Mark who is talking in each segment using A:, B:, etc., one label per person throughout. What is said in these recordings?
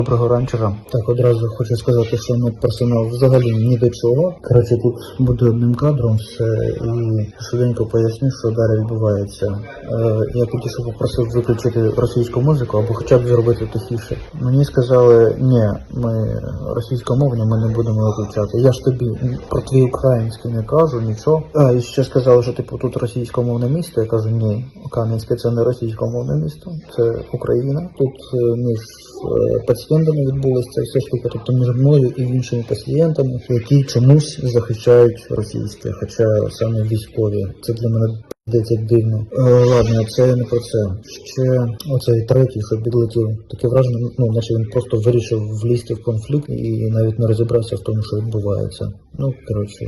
A: Доброго ранчера. Так, одразу хочу сказати, що медперсонал взагалі ні до чого. Коротше, тут буде одним кадром все і швиденько поясню, що далі відбувається. Я підійшов, попросив виключити російську музику або хоча б зробити тихіше. Мені сказали, ні, ми російськомовні, ми не будемо виключати. Я ж тобі про твій український не кажу, нічого. І ще сказали, що типу тут російськомовне місто. Я кажу, ні, Кам'янське це не російськомовне місто, це Україна. Тут між пацієнтами відбулася ця вся штука, тобто між мною і іншими пацієнтами, які чомусь захищають російське, хоча саме військові. Це для мене здається дивно. Ладно, це не про це. Ще оцей третій, що підлетів, таке враження, наче він просто вирішив влізти в конфлікт і навіть не розібрався в тому, що відбувається. Коротше.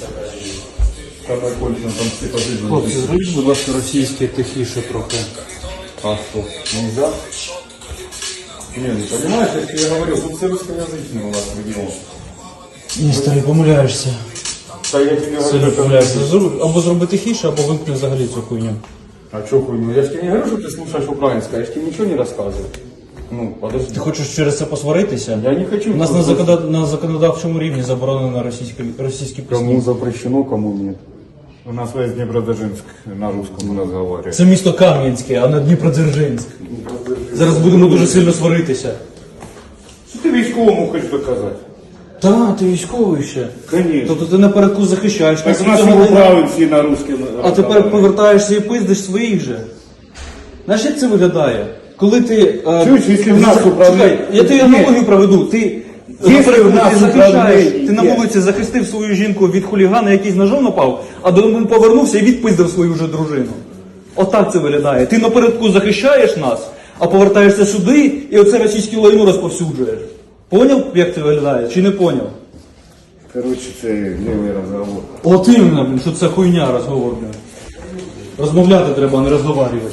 B: Хлопці, зробіть, будь ласка, російське тихіше трохи.
C: А что, нельзя? Не, ну понимаешь, если я говорю, тут все русскоязычные у нас в регионе.
B: Ні, старий, помиляєшся.
C: Да я тебе
B: Сильно
C: говорю,
B: помиляєшся. Або зроби тихіше, або вимкни взагалі цю хуйню.
C: А что хуйню? Я же тебе не говорю, что ты слушаешь украинское, я же тебе ничего не рассказываю. Ну, подожди.
B: Ти хочеш через це посваритися?
C: Я не хочу.
B: У нас на законодавчому рівні заборонено російські пісні.
C: Кому запрещено, кому нет. У нас весь Днепродзержинск на русском разговаривает.
B: Це місто Кам'янське, а не Дніпродзержинськ. Зараз будемо дуже сильно сваритися.
C: Что ты військовому хочешь доказать?
B: Та, ти військовий ще.
C: Конечно.
B: Тобто ти напередку захищаєш.
C: Так у
B: нас
C: нас
B: цього
C: и управы все на русском.
B: А тепер повертаєшся і пиздиш своїх же. Знаєш, як це виглядає? Коли ти...
C: Чуєш, якщо в нас управління...
B: Чекай, я тобі аналогію проведу. Ти,
C: Якщо в нас
B: ти захищаєш,
C: управління
B: ти на
C: є.
B: вулиці захистив свою жінку від хулігана, який з ножом напав, а додому повернувся і відпиздив свою вже дружину. Отак це виглядає. Ти напередку захищаєш нас, а повертаєшся сюди і оце російське лайно розповсюджуєш. Поняв, як це виглядає? Чи не поняв?
C: Короче, це левый разговор.
B: От іменно, блін, що це хуйня розговор, блін. Розмовляти треба, а не розговарювати.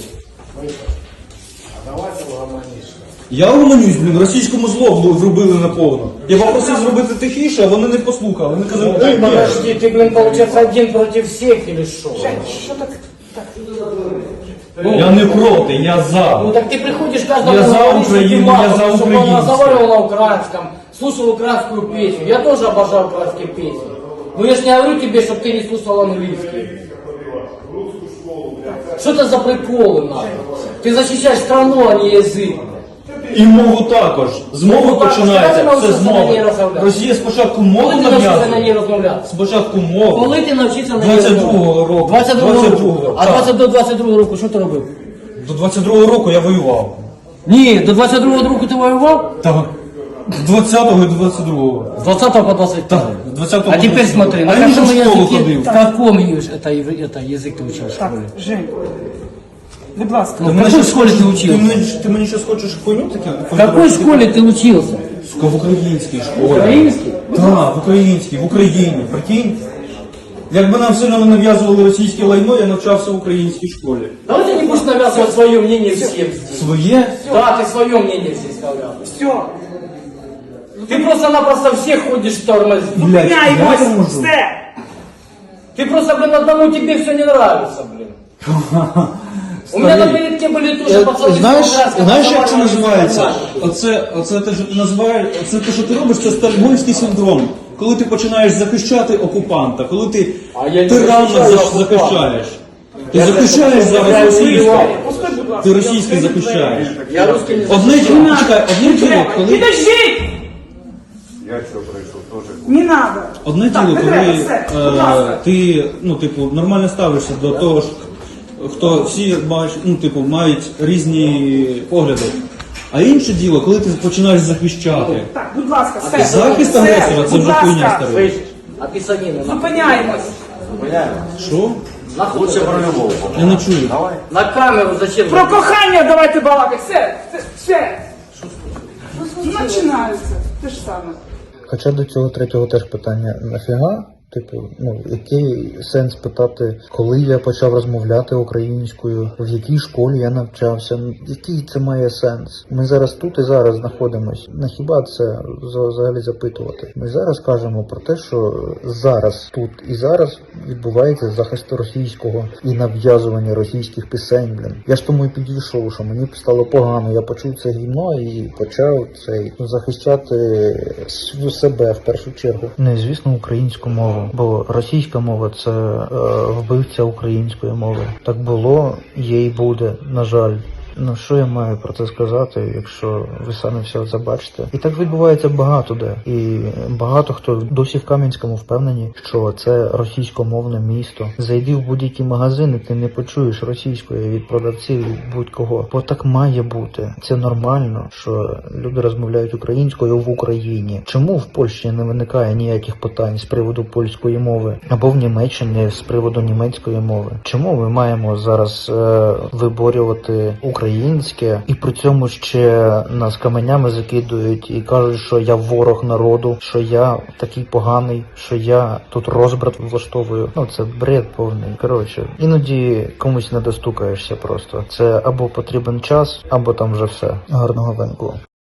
B: Я угомонюсь, блін, російському зло зробили наповно. Я попросив зробити тихіше, а вони не послухали. Вони казали,
D: Ты подожди, ты, блин, получается один против всех или что?
B: я не проти, я за.
D: Ну так ты приходишь каждому
B: Я за
D: говоришь, что ты
B: Украину,
D: мало,
B: я за
D: чтобы он
B: украинцев.
D: разговаривал на украинском, слушал украинскую песню. Я тоже обожаю украинские песни. Но я ж не говорю тебе, чтобы ты не слушал английский. Что это за приколы, нахуй? Ты защищаешь страну, а не язык.
B: І мову також. З мови
D: Мову також.
B: починається,
D: Коли ти
B: все з
D: навчишся на ній
B: мови.
D: розмовляти?
B: Росія спочатку мову
D: Коли ти навчишся на ній
B: нав'язує.
D: розмовляти?
B: Спочатку мову.
D: Коли ти навчишся на ній
B: 22-го року.
D: 22-го. А
B: так.
D: до 22-го року що ти робив?
B: До 22-го року я воював.
D: Ні, до 22-го року ти воював?
B: Так. З 20-го і до 22-го.
D: С 20 по 25.
B: Так, з 20-го
D: А
B: по
D: теперь
B: 22-го.
D: смотри, на
B: А я вже
D: каком
B: в школу
D: языке,
B: ходив.
D: в каком это язык ты учился?
E: Так, Жень, будь ласка.
D: Ну, в какой школе ты учился?
B: Ти мені щось хочеш хуйню таке?
D: В какой школе ты учился?
B: В українській школі.
D: Украинский?
B: Так, в українській, в Україні. Прикинь? Якби нам сильно не нав'язували російське лайно, я навчався в українській школі.
D: Давайте не будешь навязывать свое мнение всем здесь.
B: Своє?
D: Да, ты свое мнение здесь навязываешь.
E: Все,
D: Ты просто-напросто всех ходишь тормозить.
B: Блядь, я не
E: міняємось,
B: можу.
E: все.
D: Ты просто, блин, одному тебе все не нравится, блин. У меня на передке были тоже пацаны.
B: Знаєш, як це називається? Оце те, що ти називаєш, це те, що ти робиш, це стокгольмський синдром. Коли ти починаєш захищати окупанта, коли ти
D: А я не
B: тиранно
D: захищаю окупанта.
B: захищаєш. Ти захищаєш зараз російське.
E: Пускай, будь ласка.
B: Ти російське захищаєш.
D: Я русский не
B: Одне діло, чекай, одне діло, коли...
E: Підожди!
C: Я что пришел тоже.
E: Не надо.
B: Одне
E: Так,
B: діло,
E: не
B: коли
E: треба, все, будь ласка.
B: ти, нормально ставишся до того ж, хто всі мають різні погляди. А інше діло, коли ти починаєш захищати.
E: Так, будь ласка, все.
B: Захист
E: Все,
B: агресора це
E: будь
B: вже хуйня
E: ласка.
B: старий.
D: Слышишь? А писанина нахуй.
E: Зупиняємось.
B: Що?
D: Нахуй
C: Лучше про любого.
B: Я не чую.
D: на камеру зачем?
E: Про кохання давайте балакати. Все. Починається. Те ж саме.
A: Хоча до цього третього теж питання, нафіга Типу, ну, який сенс питати, коли я почав розмовляти українською, в якій школі я навчався, який це має сенс? Ми зараз тут і зараз знаходимось. На хіба це взагалі запитувати? Ми зараз кажемо про те, що зараз, тут і зараз відбувається захист російського і нав'язування російських пісень, блін. Я ж тому і підійшов, що мені стало погано, я почув це гімно і почав захищати себе в першу чергу. Не, звісно, українську мову, бо російська мова – це вбивця української мови. Так було, є і буде, на жаль. Ну, що я маю про це сказати, якщо ви самі все забачите? І так відбувається багато де. І багато хто досі в Кам'янському впевнені, що це російськомовне місто. Зайди в будь-який магазин, і ти не почуєш російської від продавців, від будь-кого. Бо так має бути. Це нормально, що люди розмовляють українською в Україні. Чому в Польщі не виникає ніяких питань з приводу польської мови? Або в Німеччині з приводу німецької мови? Чому ми маємо зараз виборювати українське, і при цьому ще нас каменями закидують і кажуть, що я ворог народу, що я такий поганий, що я тут розбрат влаштовую. Ну, це бред повний. Коротше, іноді комусь не достукаєшся просто. Це або потрібен час, або там вже все. Гарного венку.